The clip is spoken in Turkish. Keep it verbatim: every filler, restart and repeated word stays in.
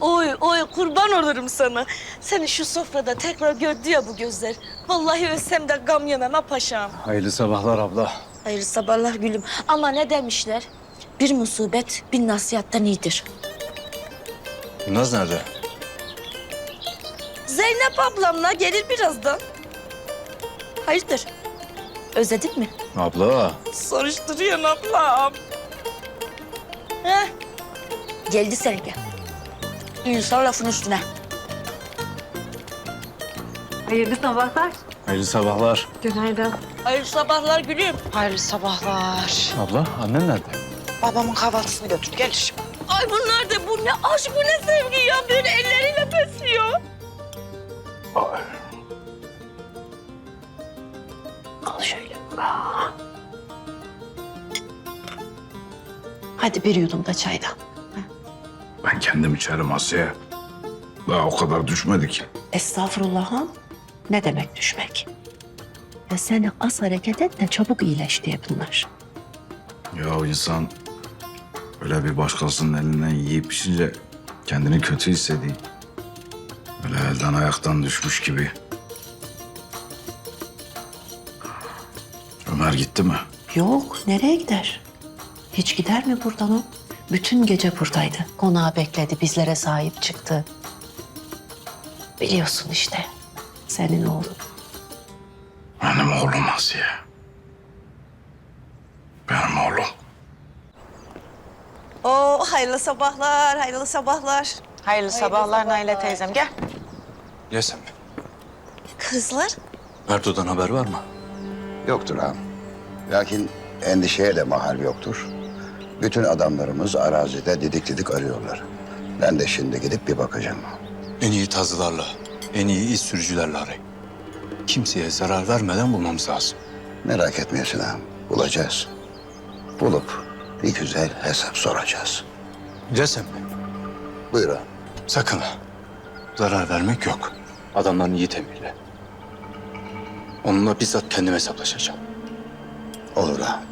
Oy oy kurban olurum sana. Seni şu sofrada tekrar gördü ya bu gözler. Vallahi ölsem de gam yemem ha paşam. Hayırlı sabahlar abla. Hayırlı sabahlar gülüm. Ama ne demişler? Bir musibet bin nasihattan iyidir. Naz nerede? Zeynep ablamla gelir birazdan. Hayırdır? Özledin mi? Abla. Soruşturuyorsun ablam. Heh. Geldi Sergen. İnsan lafın üstüne. Hayırlı sabahlar. Hayırlı sabahlar. Günaydın. Hayırlı sabahlar gülüm. Hayırlı sabahlar. Abla annen nerede? Babamın kahvaltısını götür gelir şimdi. Ay bunlar da bu ne aşk bu ne sevgi ya. Böyle elleriyle besliyor. Al şöyle. Hadi bir yudum da çaydan. Ben kendim içerim Asiye. Daha o kadar düşmedi ki. Estağfurullah'ım. Ne demek düşmek? Ya seni az hareket et de çabuk iyileş diye bunlar. Ya insan öyle bir başkasının elinden yiyip içince kendini kötü hissediyor. Böyle elden ayaktan düşmüş gibi. Ömer gitti mi? Yok, nereye gider? Hiç gider mi buradan o? Bütün gece buradaydı. Konağı bekledi, bizlere sahip çıktı. Biliyorsun işte, senin oğlun. Benim oğlum Asiye. Benim oğlum. Oo, hayırlı sabahlar, hayırlı sabahlar. Hayırlı sabahlar Naile teyzem, gel. Yesem. Kızlar, Erdoğan'dan haber var mı? Yoktur ağam. Lakin endişeye de mahal yoktur. Bütün adamlarımız arazide didik didik arıyorlar. Ben de şimdi gidip bir bakacağım. En iyi tazılarla, en iyi iz sürücülerle arayın. Kimseye zarar vermeden bulmamız lazım. Merak etmeyesin ağam. Bulacağız. Bulup bir güzel hesap soracağız. Yesem. Buyur ağam. Sakın ha. Zarar vermek yok. Adamların iyi emirle. Onunla bizzat kendim hesaplaşacağım. Olur ağam.